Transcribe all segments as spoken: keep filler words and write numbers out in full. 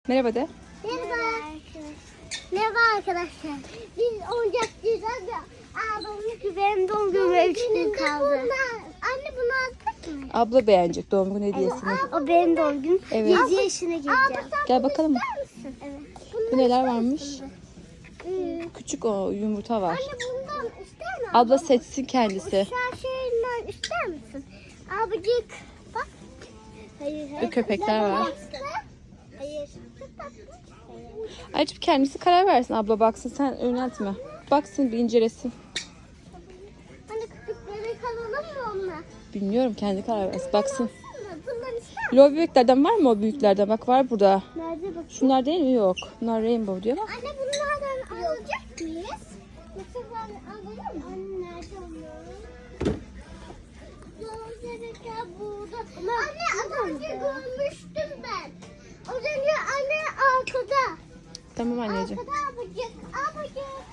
Merhaba de. Merhaba arkadaşlar. Merhaba arkadaşlar. Biz oyuncakçıyız da ablamın ki benim doğum günüme üç gün kaldı. Anne bunu aldık mı? Abla beğenecek doğum günü hediyesini. O benim doğum günüm. Evet. yedi yaşına gireceğim. Gel bakalım. Evet. Bu neler varmış? Ee, Küçük o yumurta var. Anne bundan ister misin? Abla seçsin kendisi. Şu şeyinden ister misin? Abicik bak. Hayır hayır. Bu köpekler var. Hayır. Ayrıca kendisi karar versin, abla baksın, sen yöneltme. Baksın, bir incelesin. Hani köpekleri kalalım mı onunla? Bilmiyorum, kendi karar versin. Baksın. Bundan ister misin? Lo bebeklerden var mı o büyüklerden? Bak var burada. Nerede bak? Şunlar değil mi? Yok. Bunlar rainbow diyor ama. Anne bunlardan alacak mıyız? Yoksa ben alayım mı? Anne nerede onlar? Gözlerken burada. Anne az önce görmüştüm ben. Az önce anne arkada. Tamam anneciğim. Arkada abacık. Abacık.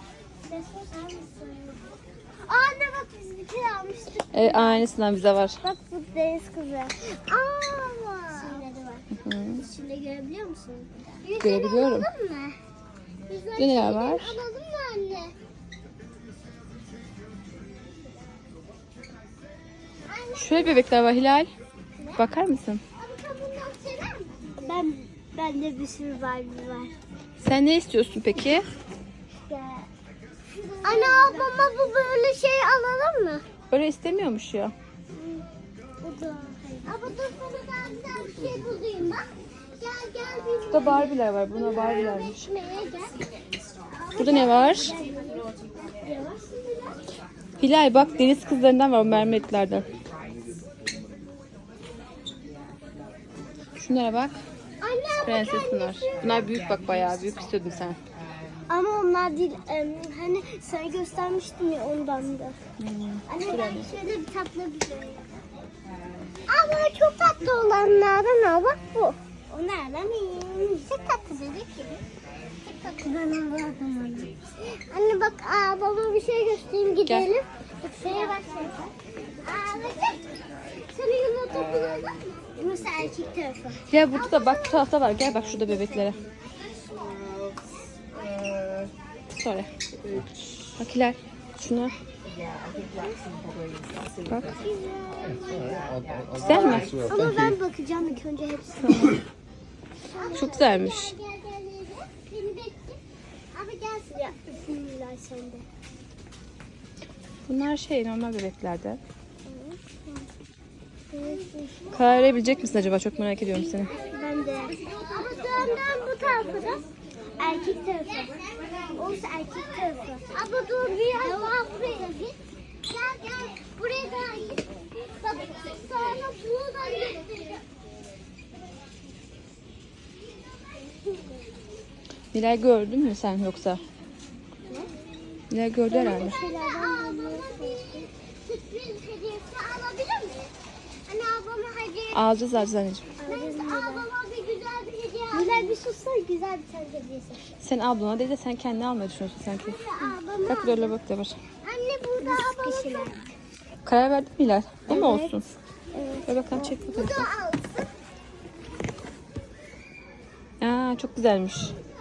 Anne bak biz bir kere almıştık. Evet, aynısından bize var. Bak bu deniz kızı. Aa. Şeyleri var. Hı. İçinde görebiliyor musun? Görebiliyorum. Alalım mı? Yüzleri Ne neler şeyden var? Alalım mı anne? Anne, Şöyle bebekler var Hilal. Bakar mısın? abi sen bundan sever misin? Ben, bende bir sürü Barbie var. Sen ne istiyorsun peki? Anne abama bu böyle şey alalım mı? Öyle istemiyormuş ya. Bu da. Ama dur sana daha güzel bir şey bulayım bak. Gel gel bir Burada Barbie'ler var. Buna Barbie'lermiş. ekmeğe gel. Burada ne var? Hilal bak, deniz kızlarından var, o mermerliklerden. Şunlara bak. Anne Prenses bunlar. Bunlar büyük bak, bayağı büyük istiyordun sen. ama onlar değil. em, hani sana göstermiştim ya ondan da. Anne ben şöyle bir tatlı bir şey. Ama çok tatlı olanlardan al bak bu. O nereden iyi? Çok tatlı dedik ki. Çok tatlı. Ben anladım onu. Anne bak aa, baba bir şey göstereyim gidelim. Bak şeye bak sen. Aa bak. Seni yumurta bulalım mı? Burası erkek tarafı. Gel burada da bak, bu tarafta var. Gel bak şurada bebeklere. Sonra. Bak Hilal. Şuna. Bak. Güzel mi? Ama ben bakacağım ilk önce hepsine. Çok güzelmiş. Gel gel gel gel. Beni bekle. Abi gelsin. Ya bismillah sen de. Bunlar şey, normal bebeklerden. Karar verebilecek misin acaba? Çok merak ediyorum seni. Ben de. Ama dönden bu tarafı da erkek tarafı. Orası erkek tarafı. Ama dur bir daha buraya git. Gel gel. Buraya da git. Bak sana buradan göstereceğim. Hilal gördün mü sen yoksa? Ne? Hilal gördü herhalde. Ablama bir sürpriz hediyesi alabilir miyim? Anne ablama hediye. Alacağız alacağız anneciğim. Neyse ablama bir güzel bir hediye al. Güzel bir sussana güzel bir tane hediyesi. Sen ablana değil de sen kendine almayı düşünüyorsun sanki. Ablama. Bak böyle bak da var. Anne burada ablama. Karar verdin mi Hilal? O mu Evet. olsun? Evet. Ver bakalım, çek Bu bakalım. da alsın. Aa, çok güzelmiş.